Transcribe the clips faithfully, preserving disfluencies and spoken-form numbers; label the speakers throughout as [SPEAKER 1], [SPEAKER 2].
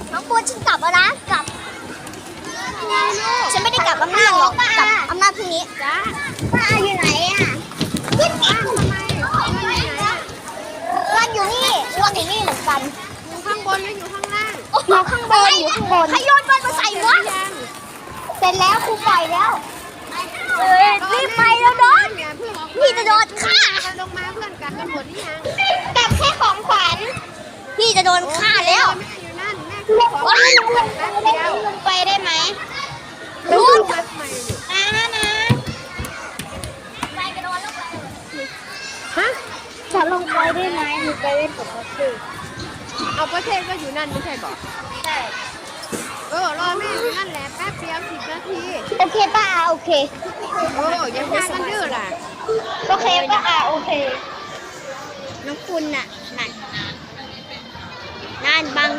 [SPEAKER 1] น้องปูนฉันกลับแล้วนะกลับฉันไม่ได้กลับอำนาจหรอกกลับอำนาจพรุ่งนี้จ้าป้าอยู่ไหนอ่ะขึ้นมาทำไมวันอยู่นี่วันอยู่นี่เหมือนกัน
[SPEAKER 2] อยู่ข้างบนหรืออยู่ข้างล่าง
[SPEAKER 1] อยู่ข้างบนอยู่ข้างบนใครโยนบอลมาใส่วะเสร็จแล้วครูปล่อยแล้วเอ้ยรีบไปแล้วโดนพี่จะโดนฆ่า
[SPEAKER 2] ลงมาเพื่อนกันกันหมดหรือยัง
[SPEAKER 1] กลับแค่ของขวัญพี่จะโดนฆ่าแล้ว
[SPEAKER 2] แม่อยู่นั่นแม่คือของขวัญแป๊บเดียว
[SPEAKER 1] ลงไปได้ไหม
[SPEAKER 2] รู้มาทำไม
[SPEAKER 1] นะนะไปกระโดดลงไป
[SPEAKER 2] ฮะ
[SPEAKER 1] จะลงไปได้ไหมหนูไปเล่นกับพ่อเทพ
[SPEAKER 2] เอาประเทศก็อยู่นั่นไม่ใช่บอก
[SPEAKER 1] ใช่
[SPEAKER 2] เออรอแม่อยู่นั่นแหละแป๊บเดียวสิบนาที
[SPEAKER 1] โอเคป้าโอเค
[SPEAKER 2] โอ้ยังพากันดื้อล่ะ
[SPEAKER 1] โอเคป้าโอเคน้องคุณน่ะนั่นนั่นบัง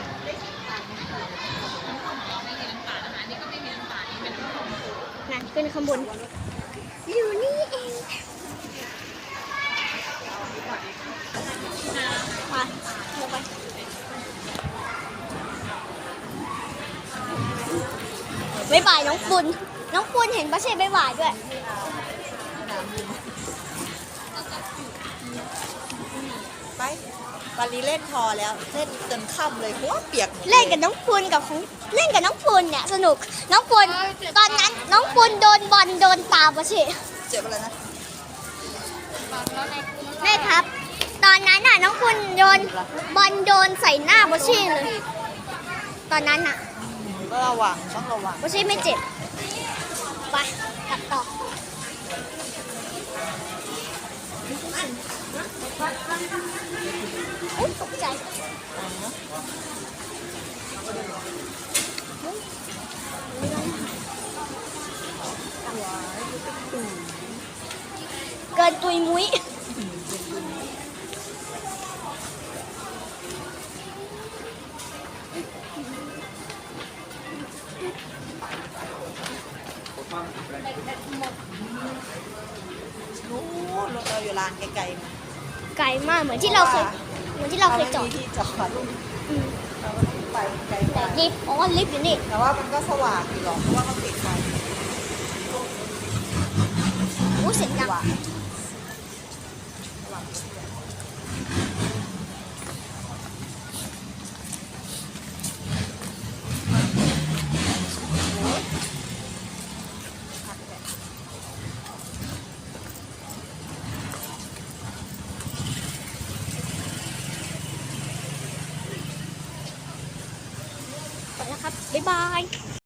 [SPEAKER 1] นั่นขึ้นข้างบนอยู่นี่เองมาลงไปบ๊ายบายน้องปุณน้องปุณเห็นปะใช่บ๊ายบายด้วย
[SPEAKER 3] ไปวันนี้เล่นพอแล้วเล่นจนค่ำเลยเพราะว่าเปียก
[SPEAKER 1] เล่นกับน้องปุณกับของเล่นกับน้องปุณเนี่ยสนุกน้องปุณตอนนั้นน้องปุณโดนบอลโดนตาปะใช่
[SPEAKER 3] เจ็บอะไรนะ
[SPEAKER 1] แม่ครับตอนนั้นน่ะน้องปุณโดนบอลโดนใส่หน้าปะใช่เลยตอนนั้นน่ะ
[SPEAKER 3] ก็ระวังต้องระวัง
[SPEAKER 1] ปะใช่ไม่เจ็บไปกลับต่ออุ๊ยตกใจเกินตุยมุ้ย
[SPEAKER 3] นู้นรถเราอยู่ลานไกลๆมา
[SPEAKER 1] ไกลมากเหมือนที่เราเคยเหมือนที่เราเคยจอด
[SPEAKER 3] ที่จอดเราก็ต้องไปไกลไป
[SPEAKER 1] ลิฟต์อ๋อลิฟต์อยู่นี่
[SPEAKER 3] แต่ว่ามันก็สว่างอยู่หรอกเพราะว่าเขาติดไฟ
[SPEAKER 1] โอ้เสียงดังไปแล้วครับบ๊ายบาย